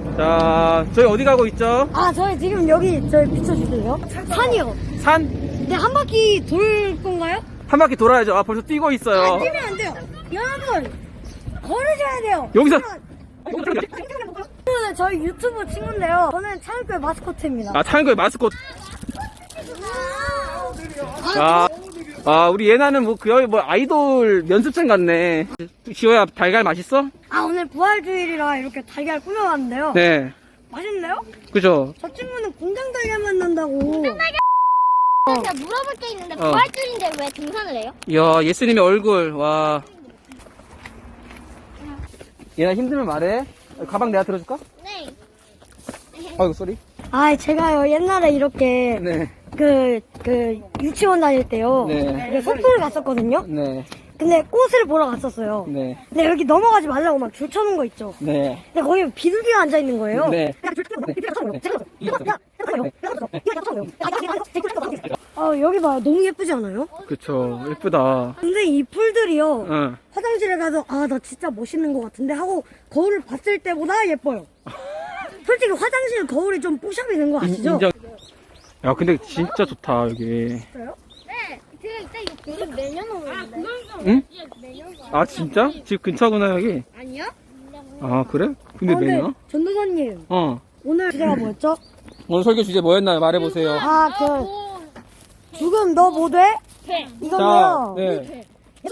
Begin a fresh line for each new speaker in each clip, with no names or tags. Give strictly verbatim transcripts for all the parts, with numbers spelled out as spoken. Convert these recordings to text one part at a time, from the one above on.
자, 저희 어디 가고 있죠?
아, 저희 지금 여기 저희 비춰주세요. 산이요.
산?
네, 한 바퀴 돌 건가요?
한 바퀴 돌아야죠. 아, 벌써 뛰고
아,
있어요.
뛰면 안 돼요. 여러분, 걸으셔야 돼요.
여기서.
저는 저희 유튜브 친구인데요. 저는 차일교회 마스코트입니다.
아, 타는 거에 마스코트. 아, 아, 우리 예나는 뭐, 그, 뭐, 아이돌 연습생 같네. 지호야, 달걀 맛있어?
아, 오늘 부활주일이라 이렇게 달걀 꾸며왔는데요.
네.
맛있나요?
그죠?
저 친구는 공장 달걀만 난다고.
제가 물어볼 게 있는데
어.
부활줄인데 왜 등산을 해요?
이야, 예수님의 얼굴, 와. 예나 힘들면 말해. 가방 내가 들어줄까?
네.
아이고, 쏘리.
아, 제가요, 옛날에 이렇게,
네.
그, 그, 유치원 다닐 때요.
네.
이렇게 속초를 갔었거든요.
네.
근데 꽃을 보러 갔었어요.
네.
근데 여기 넘어가지 말라고 막 줄 쳐놓은 거 있죠.
네.
근데 거기 비둘기가 앉아있는 거예요.
네.
아, 여기 봐요. 너무 예쁘지 않아요?
그쵸. 예쁘다.
근데 이 풀들이요.
응.
화장실에 가서 아, 나 진짜 멋있는 것 같은데 하고 거울을 봤을 때보다 예뻐요. 솔직히 화장실 거울이 좀 뽀샵이 된 거 아시죠?
인정. 야, 근데 진짜 좋다, 여기.
진짜요?
네. 제가 이따 이거 계속 내년 오는데.
응?
내년 오.
아, 진짜? 집 근처구나, 여기.
아니요?
아, 그래? 근데
아, 근데
매냐?
전도사님
어.
오늘 주제가 뭐였죠?
오늘 설교 주제 뭐였나요? 말해보세요.
아, 그
오.
죽음 너 뭐 돼?
네.
이거요.
네.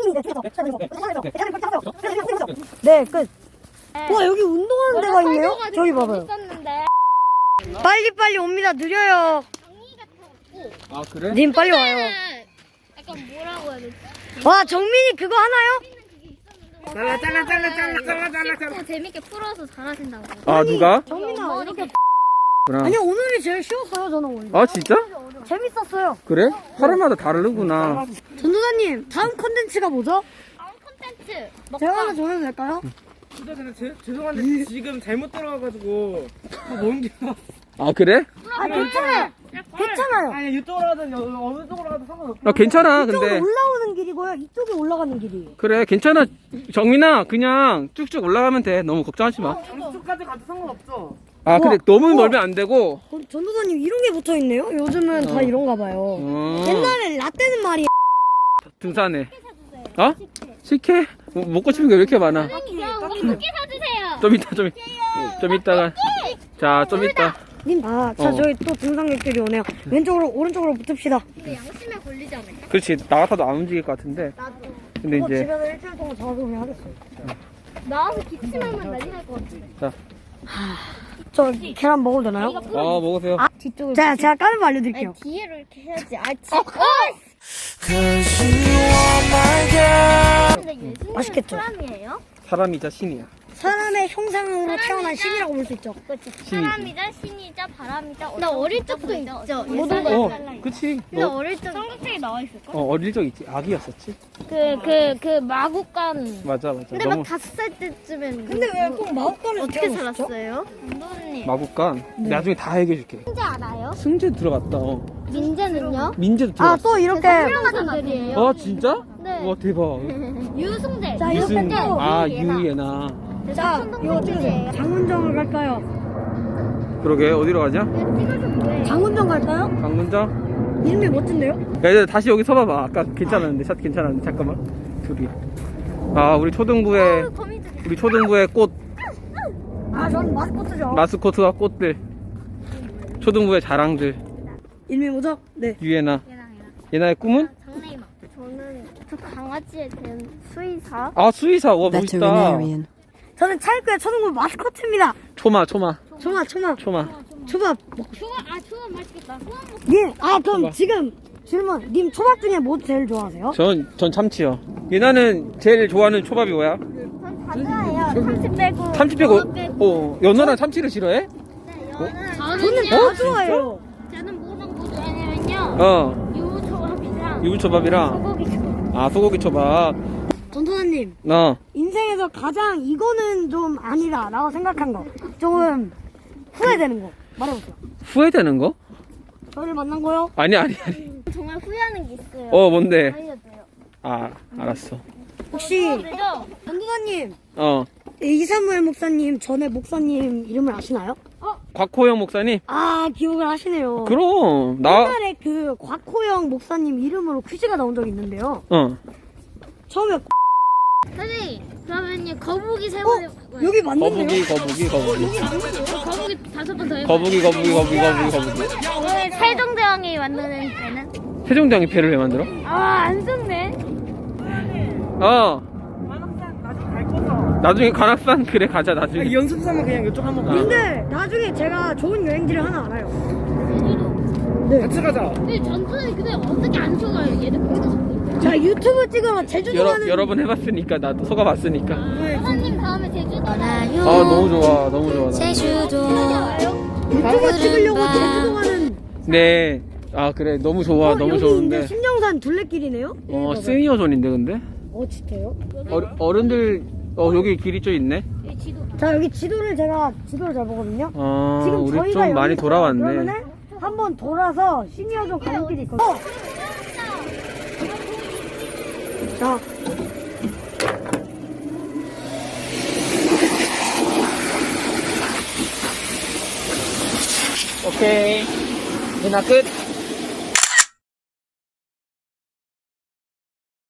네, 끝. 와, 여기 운동하는 데가 있네요? 저기 봐봐요.
있었는데
빨리빨리 옵니다. 느려요.
정리 같았고.
아, 그래?
님 빨리 와요.
약간 뭐라고 해야 되지?
와, 정민이 그거 하나요?
잘라 잘라 잘라 잘라 잘라 잘라 잘라. 재밌게 풀어서 잘하신다고.
아, 누가?
정민아, 이렇게.
그래.
아니, 오늘이 제일 쉬웠어요, 저는 오늘.
아, 진짜?
재밌었어요.
그래? 사람마다 다르구나.
전도사님, 다음 컨텐츠가 뭐죠?
다음 콘텐츠.
제가 하나 정해도 될까요?
진짜 근데 제, 죄송한데 지금 잘못 들어와가지고 먼 길.
아, 그래?
아, 괜찮아요. 괜찮아요.
아니 유튜브로 하든 여- 어느 쪽으로 가든 상관없어.
아, 괜찮아,
이쪽으로
근데.
올라오는 길이고요. 이쪽에 올라가는 길이에요.
그래, 괜찮아. 정민아, 그냥 쭉쭉 올라가면 돼. 너무 걱정하지 마.
양쪽까지 가도 상관없죠.
아, 근데
우와.
너무
우와.
멀면 안 되고.
어, 전도사님, 이런 게 붙어 있네요? 요즘은 다 이런가 봐요.
어.
옛날에 라떼는 말이에요.
등산해. 어? 식혜? 뭐, 먹고 싶은 게 왜 이렇게 많아?
야, 우리 쿠키 사주세요.
좀 이따, 좀, 좀 이따가. 자, 좀 이따.
님, 아, 자,
어.
저희 또 등산객들이 오네요. 왼쪽으로, 오른쪽으로 붙읍시다.
근데 양심에 걸리지 않을까?
그렇지. 나 같아도 안 움직일 것 같은데.
나도.
근데
이거
이제.
집에서 일주일 동안 작업을 하겠어요.
나와서 기침하면 난리 날 것 같은데.
자.
저 계란 먹어도 되나요?
이거
아,
풀어.
먹으세요.
뒤쪽을.
자, 제가 까는 거 알려드릴게요.
아니, 뒤에로 이렇게 해야지. 아, 지. 어! 근데 예수님은
맛있겠죠?
사람이에요?
사람이자 신이야.
사람의 형상으로 태어난 신이라고 볼 수 있죠.
그렇지.
신이지.
사람이자 신이자 바람이자. 나 어릴 적도 있죠.
모든
예수님.
어, 그치.
근데
너,
어릴 적 성경책에 나와 있을까?
어, 어릴 적 있지. 아기였었지.
그 그 그 마구간.
맞아, 맞아.
근데
너무
막 다섯 살 때쯤엔.
근데 왜 꼭 마법관에서
어떻게
태어났죠?
살았어요? 감독님.
마국간. 나중에 다 얘기해줄게.
민재 알아요?
승재 들어갔다. 어.
민재는요?
민재도
아,
들어갔어.
또 이렇게.
훌륭하던 들이에요.
아, 진짜?
네.
와, 대박.
유승재.
자, 이렇게
이승,
또.
아,
유예나.
유예나.
자, 이거 찍으세요. 장훈정을 갈까요?
그러게, 어디로 가자?
찍어서 뭐해?
장훈정 갈까요?
강문장?
이름이 멋진데요?
야, 이제 다시 여기 서봐봐. 아까 괜찮았는데, 샷 괜찮았는데, 잠깐만. 둘이. 아, 우리 초등부의,
거미줄.
우리 초등부의 꽃,
아, 전 마스코트죠.
마스코트와 꽃들. 초등부의 자랑들.
이름이 뭐죠? 네.
유예나.
얘랑 얘랑.
예나의 꿈은?
장래희망. 저는 저 강아지에 대한 수의사.
아, 수의사. 와, 멋있다.
veterinarian.
저는 차일교회 초등부 마스코트입니다.
초마, 초마,
초마, 초마.
초마.
초밥.
초밥 아 초밥 맛있겠다. 초밥 먹.
님, 아, 그럼
초밥.
지금 질문. 님 초밥 중에 뭐 제일 좋아하세요?
전, 전 참치요. 예나는 제일 좋아하는 초밥이 뭐야?
전 다좋아해요. 참치 빼고.
참치 빼고,
연어 빼고.
어, 연어랑 참치를 싫어해?
네, 연어는
저는
어?
다 좋아해요.
저는 뭐랑 뭐 좋아하냐면요.
어,
유초밥이랑
유부초밥이랑,
소고기 초밥.
아, 소고기 초밥.
전도사님,
어,
인생에서 가장 이거는 좀 아니다 라고 생각한 거. 조금 후회되는 거. 말해보세요.
후회되는 거?
저를 만난 거요?
아니, 아니, 아니.
정말 후회하는 게 있어요.
어, 뭔데?
알려줘요.
아, 알았어.
혹시
그죠?
전도사님,
어,
이사무엘 목사님 전에 목사님 이름을 아시나요?
곽호영 목사님?
아 기억을 하시네요.
그럼 나
옛날에 그 곽호영 목사님 이름으로 퀴즈가 나온 적이 있는데요.
어.
처음에
선생님, 그러면요, 거북이 세
어?
번 해볼까요?
여기 맞는데요?
거북이 거북이 거북이
여기 맞는데요?
거북이 다섯 번 더 해볼까요?
거북이 거북이 거북이 거북이 거북이.
오늘 세종대왕이 만드는 배는?
세종대왕이 배를 왜 만들어?
아, 안 좋네.
어.
관악산 나중에 갈 거죠?
나중에 관악산 그래 가자 나중에.
연습 삼아 그냥 이쪽 한번 가.
근데 나중에 제가 좋은 여행지를 하나 알아요.
제주도.
네.
같이 가자.
근데 전투는 근데 어떻게 안 속아요? 얘들 거기서 속고 있대.
자 유튜브 찍으러 제주도
여러
가는
여러 번 해봤으니까 나도 속아봤으니까.
사장님 다음에 제주도 가요.
아 너무 좋아 너무 좋아. 나.
유튜브 찍으려고 제주도 가는
네. 아 그래 너무 좋아
어,
너무
여기
좋은데.
이제 신정산 둘레길이네요.
어 시니어존인데 근데.
어 진짜요?
어, 어른들 어 여기 길이 좀 있네.
여기 지도.
자 여기 지도를 제가 지도를 잘 보거든요.
어
지금
우리
저희가
좀
여기
많이
있어요.
돌아왔네.
그러면은 한번 돌아서 시니어존 가는 길이 있거든요. 어. 자
오케이. 누나 끝.